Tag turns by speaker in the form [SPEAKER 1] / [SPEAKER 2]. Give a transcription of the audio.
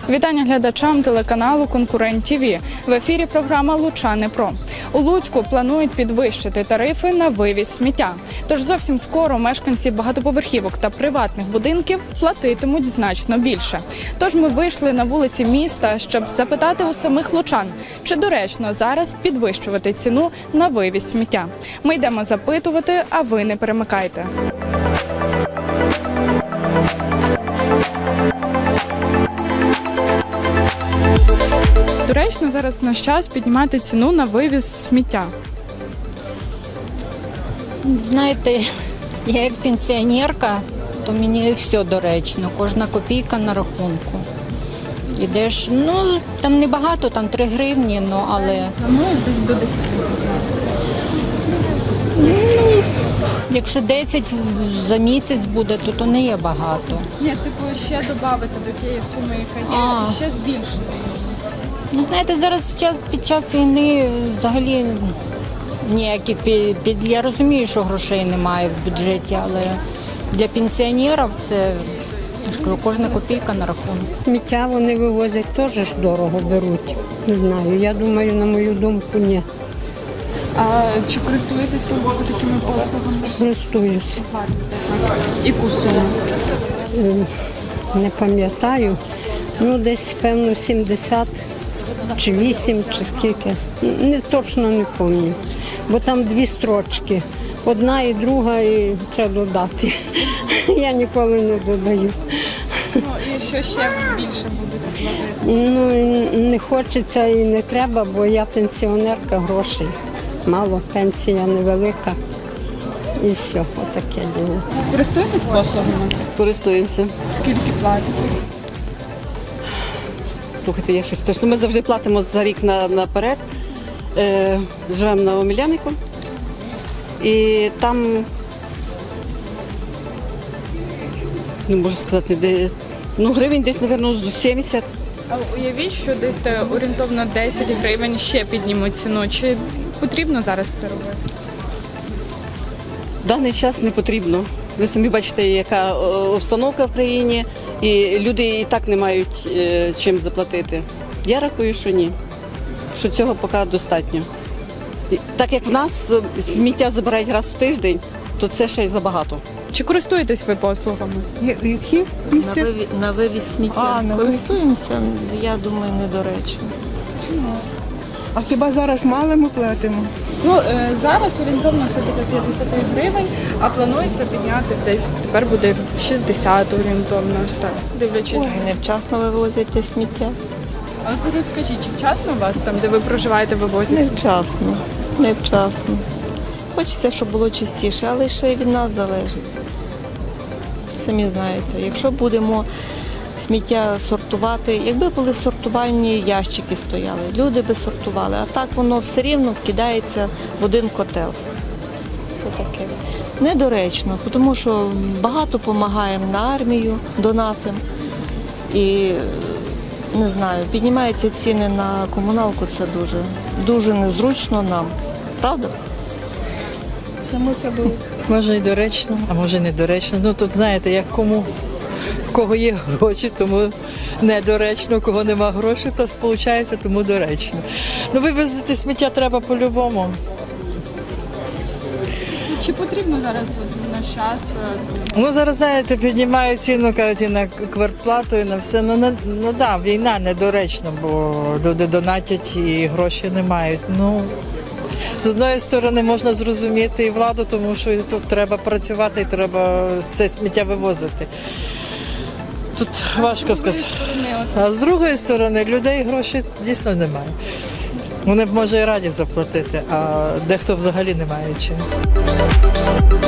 [SPEAKER 1] Вітання глядачам телеканалу «Конкурент ТВ». В ефірі програма «Лучани Про». У Луцьку планують підвищити тарифи на вивіз сміття. Тож зовсім скоро мешканці багатоповерхівок та приватних будинків платитимуть значно більше. Тож ми вийшли на вулиці міста, щоб запитати у самих лучан, чи доречно зараз підвищувати ціну на вивіз сміття. Ми йдемо запитувати, а ви не перемикайте. Доречно зараз наш час піднімати ціну на вивіз сміття.
[SPEAKER 2] Знаєте, я як пенсіонерка, то мені все доречно, кожна копійка на рахунку. Ідеш, там небагато, там 3 гривні, але...
[SPEAKER 1] Десь до 10
[SPEAKER 2] Якщо 10 за місяць буде, то не є багато.
[SPEAKER 1] Ні, ще додати до тієї суми, яка є, і ще збільшити.
[SPEAKER 2] Знаєте, зараз під час війни взагалі ніякі я розумію, що грошей немає в бюджеті, але для пенсіонерів це, я ж кажу, кожна копійка на рахунку.
[SPEAKER 3] Сміття вони вивозять теж ж дорого беруть. Не знаю, я думаю, на мою думку, ні.
[SPEAKER 1] А чи користуєтесь ви такими послугами?
[SPEAKER 3] Користуюсь.
[SPEAKER 1] Яку суму?
[SPEAKER 3] Не пам'ятаю. Десь, певно, 70 чи 8, чи скільки. Точно не пам'ятаю. Бо там 2 строчки. Одна і друга, і треба додати. Я ніколи не додаю.
[SPEAKER 1] І що ще більше будете платити?
[SPEAKER 3] Не хочеться і не треба, бо я пенсіонерка, грошей мало, пенсія невелика. І все, отаке діло.
[SPEAKER 1] Користуєтесь послугами?
[SPEAKER 4] Користуємося.
[SPEAKER 1] Скільки платите?
[SPEAKER 4] Слухайте, я щось точно. Ми завжди платимо за рік наперед. Живемо на Омелянику. І там, не можу сказати, гривень десь, мабуть, 70.
[SPEAKER 1] А уявіть, що десь орієнтовно 10 гривень ще піднімуть ціну. Чи потрібно зараз це робити?
[SPEAKER 4] В даний час не потрібно. Ви самі бачите, яка обстановка в країні, і люди і так не мають чим заплатити. Я рахую, що ні, що цього поки достатньо. Так як в нас сміття забирають раз в тиждень, то це ще й забагато.
[SPEAKER 1] Чи користуєтесь ви послугами?
[SPEAKER 5] Які?
[SPEAKER 6] На вивіз сміття. Користуємося, я думаю, недоречно.
[SPEAKER 1] Чому?
[SPEAKER 5] А хіба зараз мало ми платимо?
[SPEAKER 1] Зараз орієнтовно це буде 50 гривень, а планується підняти десь, тепер буде 60 орієнтовно, ось так, дивлячись.
[SPEAKER 6] Невчасно вивозять те сміття.
[SPEAKER 1] А от розкажіть, чи вчасно у вас там, де ви проживаєте, вивозять?
[SPEAKER 6] Невчасно. Хочеться, щоб було чистіше, але ще й від нас залежить. Самі знаєте, якщо будемо сміття сортувати, якби були сортувальні ящики стояли, люди би сортували, а так воно все рівно вкидається в один котел. Це таке. Недоречно, тому що багато допомагаємо на армію, донатимо. І, не знаю, піднімаються ціни на комуналку, це дуже незручно нам. Правда?
[SPEAKER 5] Само собою.
[SPEAKER 7] Може і доречно, а може і недоречно. Тут, знаєте, як кому, в кого є гроші, тому недоречно, у кого нема грошей, то сполучається, тому доречно. Вивезти сміття треба по-любому.
[SPEAKER 1] Чи потрібно зараз наш час?
[SPEAKER 7] Зараз, знаєте, піднімають ціну, кажуть, і на квартплату, і на все. Війна недоречно, бо люди донатять і гроші не мають. З одної сторони можна зрозуміти і владу, тому що тут треба працювати і треба все сміття вивозити. Тут важко сказати. А з другої сторони, людей грошей дійсно немає. Вони б, може, і раді заплатити, а дехто взагалі не має чим.